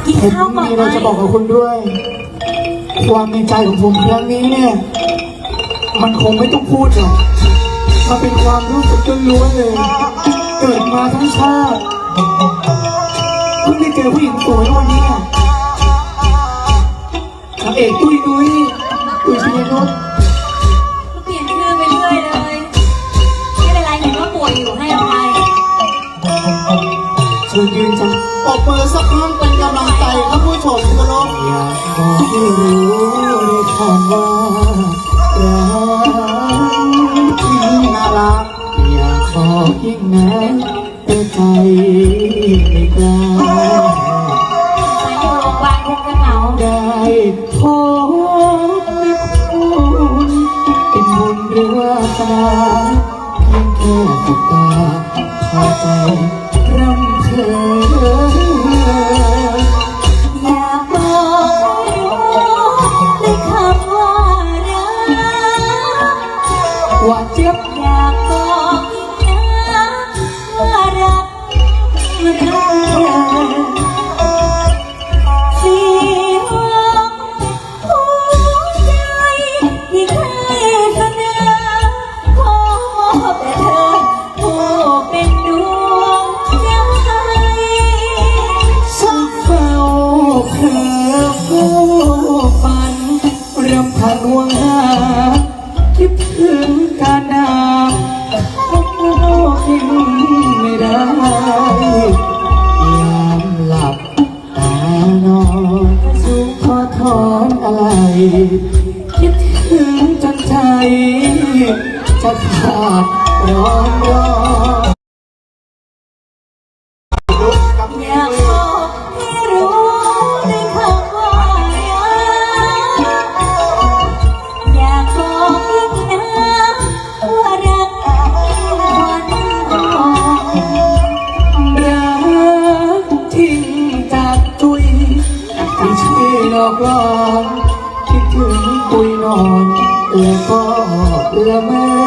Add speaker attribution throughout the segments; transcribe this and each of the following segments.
Speaker 1: ผมมีอะไรจะบอกกับคุณด้วยความในใจของผมครั้งนี้เนี่ยมันคงไม่ต้องพูดหรอกมันเป็นความรู้สึกล้วนๆเลยเกิดมาทั้งชาติเพิ่งได้เจอผู้หญิงสวยวันนี้นางเอกตุ้ยนุ้ยชัยนุช
Speaker 2: เปลี่ยนชื่อไปเรื่อยเลยไม่เป็นไรเห็นว่าป่วยอยู่ให้อภัย
Speaker 1: เชิญยืนจ้ะปรบมือสักครั้งเป็นกำลังใจครับผู้ชมที่เคารพอยากบอกให้รู้ในคำว่ารักที่น่ารักอยากบอกยิ่งนักแต่ใจไม่กล้า
Speaker 2: อยู่โรงพยาบาลคงจะเหงา
Speaker 1: ได้พบคุณเป็นบุญหรือวาสนาเพียงแค่สบตาพาใจรำเธอ
Speaker 2: อยากบอกให้รู้ในคำว่ารัก
Speaker 1: ว่าเจ็บ
Speaker 2: อยากบอกอีกนะว่ารักเสียงหัวใจที่เคยเสนอขอมอบแต่เธอผู้เป็นดวงใจ
Speaker 1: สักเฝ้าเธอผู้ฝันรำพันห่วงหาคิดถึงการดาพบโลกที่ไม่ได้ยามหลับตานอนสูงขอถอนอะไรคิดถึงจนใจจะขาดร้อน
Speaker 2: อยากบอกให้รู้ในคำว่ารักอยากบอกอีกนะว่ารักวันก่อน
Speaker 1: รักทิ้งจากตุยที่ชื่อหลอกลวงคิดถึงปุยนอนแล้วก็ละเมอ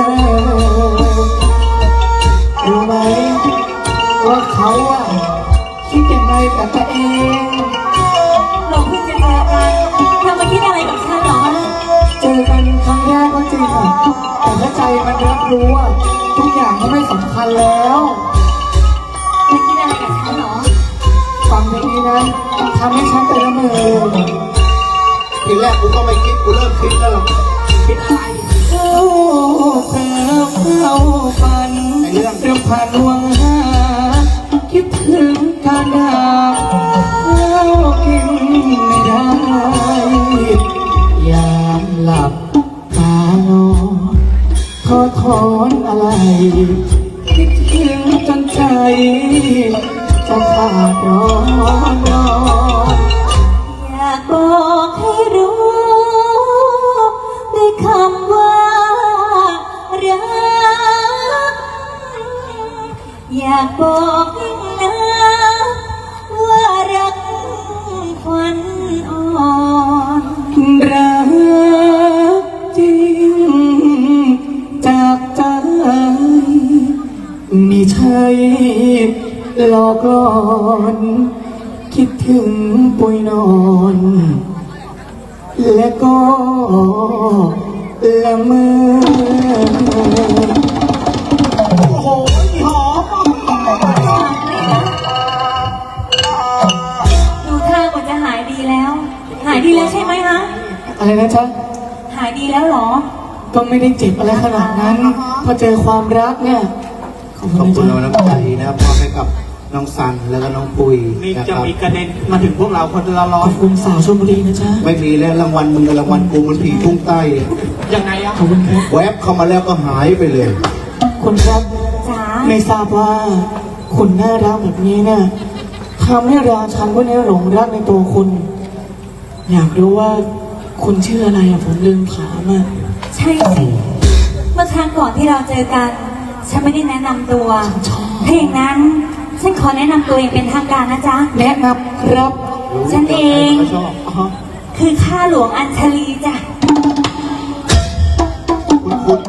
Speaker 1: รู้ไหมว่าเขาอะคิดยังไงกับตัวเอง
Speaker 2: เราเพิ่งจะเจอกันเธอมาคิดอะไรกับฉันหรอ
Speaker 1: เจอกันครั้งแรกก็จริงแต่ถ้าใจมันรับรู้ว่าทุกอย่างก็ไม่สำคัญแล้ว
Speaker 2: ไม่คิดอะไรกับฉันหรอ
Speaker 1: ฟังเพลงนี้นะทำให้ฉันไปละเมอ
Speaker 3: ทีแรกกูก็ไม่คิดกูเริ่มคิดแล้วคิดอะไร
Speaker 1: โอ้เธอเข้าฝันเรื่องผ่านห่วงหาคิดถึงการดาบแล้วกินไม่ได้ยามหลับตานอนขอถอนอะไรคิดถึงจนใจจะขาดร้อน
Speaker 2: อยากบอกให้รู้ในคำว่ารักอยากบอกอีกนะว่ารักควันอ่อน
Speaker 1: รักจริงจากใจไม่ใช่หลอกลอนคิดถึงปุยนอนและก็ละเมอโอ้โหหอม
Speaker 2: ดูท่ากว่าจะหายดีแล้ว หายดีแล้วใช่ไหมคะ
Speaker 1: อะไรนะจ๊ะ
Speaker 2: หายดีแล้วหรอ
Speaker 1: ก็ไม่ได้เจ็บอะไรขนาดนั้นพอเจอความรักเนี่ย
Speaker 3: ขอบคุณน้ำใจนะครับมอบให้กับน้องซันแล้วก็น้องปุย
Speaker 4: นี่จะมีกระเด็นมาถึงพวกเราคนละร้อ
Speaker 1: ยขอบคุณสาวชลบุรีนะจ๊ะ
Speaker 3: ไม่มีแล้วรางวัลมึงกับรางวัลกูมันผีพุ่งใต้
Speaker 4: ยังไงอะ
Speaker 1: ขอบคุณครับ
Speaker 3: แวบเข้ามาแล้วก็หายไปเลย
Speaker 1: คุณครับไม่ทราบว่าคุณน่ารักแบบนี้เนี่ยทำให้ราชันพวกนี้หลงรักในตัวคุณอยากรู้ว่าคุณชื่ออะไรอะผมลืมถามอะ
Speaker 2: ใช่สิเมื่อครั้งก่อนที่เราเจอกันฉันไม่ได้แนะนำตัวถ้าอย่างนั้นฉันขอแนะนำตัวเองเป็นทางการนะจ๊ะ
Speaker 1: แนะนำครับ
Speaker 2: ฉันเองคือข้าหลวงอัญชลีจ้ะ